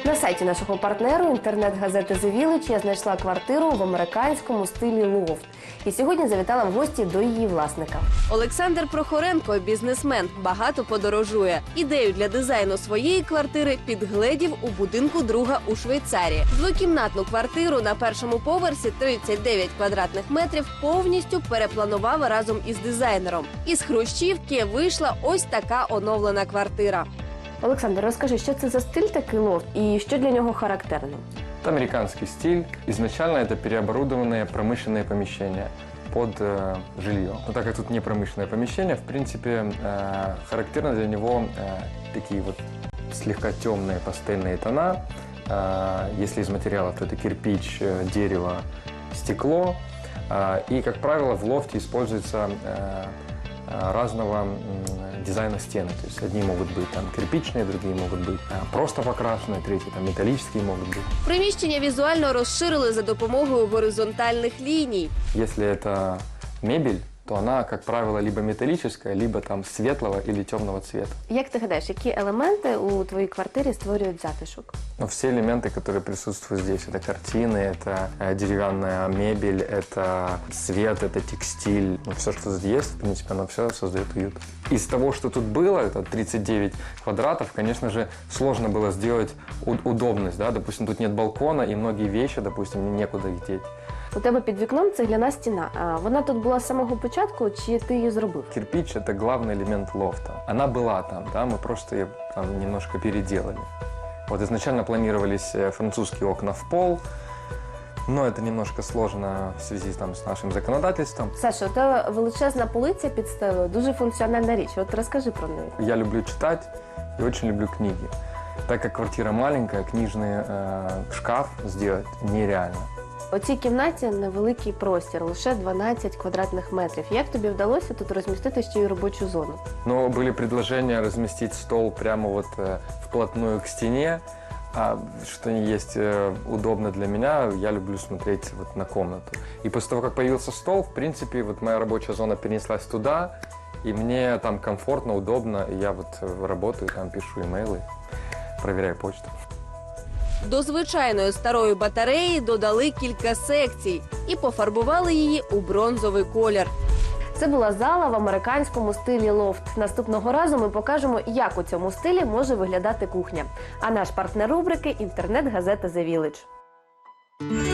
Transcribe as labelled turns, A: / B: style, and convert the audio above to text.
A: На сайті нашого партнеру інтернет-газети «The Village» я знайшла квартиру в американському стилі лофт. І сьогодні завітала в гості до її власника. Олександр Прохоренко – бізнесмен, багато подорожує. Ідею для дизайну своєї квартири підгледів у будинку друга у Швейцарії. Двокімнатну квартиру на першому поверсі 39 квадратних метрів повністю перепланував разом із дизайнером. Із хрущівки вийшла ось така оновлена квартира. Олександр, розкажи, що це за стиль такий лофт і що для нього характерно?
B: Это американский стиль. Изначально это переоборудованные промышленные помещения под жилье. Но так как тут не промышленное помещение, в принципе, характерно для него такие вот слегка темные пастельные тона. Если из материалов, то это кирпич, дерево, стекло. И, как правило, в лофте используется разного дизайна стены. То есть одни могут быть там кирпичные, другие могут быть просто покрашенные, третьи там металлические могут быть.
A: Приміщення візуально розширили за допомогою горизонтальних ліній.
B: Если это мебель, то она, как правило, либо металлическая, либо там светлого или темного цвета.
A: Як ти гадаєш, які елементи у твоїй квартирі створюють затишок?
B: Но все элементы, которые присутствуют здесь, это картины, это деревянная мебель, это свет, это текстиль. Все, что здесь есть, в принципе, оно все создает уют. Из того, что тут было, это 39 квадратов, конечно же, сложно было сделать удобность. Да? Допустим, тут нет балкона, и многие вещи, допустим, некуда их деть.
A: У тебе під вікном цегляна стіна. А вона тут була з самого початку, чи ти її зробив?
B: Кирпич – это главный элемент лофта. Она была там, да, мы просто ее там немножко переделали. Вот изначально планировались французские окна в пол, но это немножко сложно в связи там, с нашим законодательством.
A: Саша, у тебе величезна полиця під стелею, дуже функціональна річ. От розкажи про неї.
B: Я люблю читать и очень люблю книги. Так как квартира маленькая, книжный шкаф сделать нереально.
A: У цій кімнаті невеликий простір, лише 12 квадратних метрів. Як тобі вдалося тут розмістити ще й робочу зону?
B: Но были предложения разместить стол прямо вот вплотную к стене, что не есть удобно для меня. Я люблю смотреть вот на комнату. И после того, как появился стол, в принципе, вот моя рабочая зона перенеслась туда, и мне там комфортно, удобно. И я вот работаю, там пишу имейлы, проверяю почту.
A: До звичайної старої батареї додали кілька секцій і пофарбували її у бронзовий колір. Це була зала в американському стилі лофт. Наступного разу ми покажемо, як у цьому стилі може виглядати кухня. А наш партнер рубрики – інтернет-газета «The Village».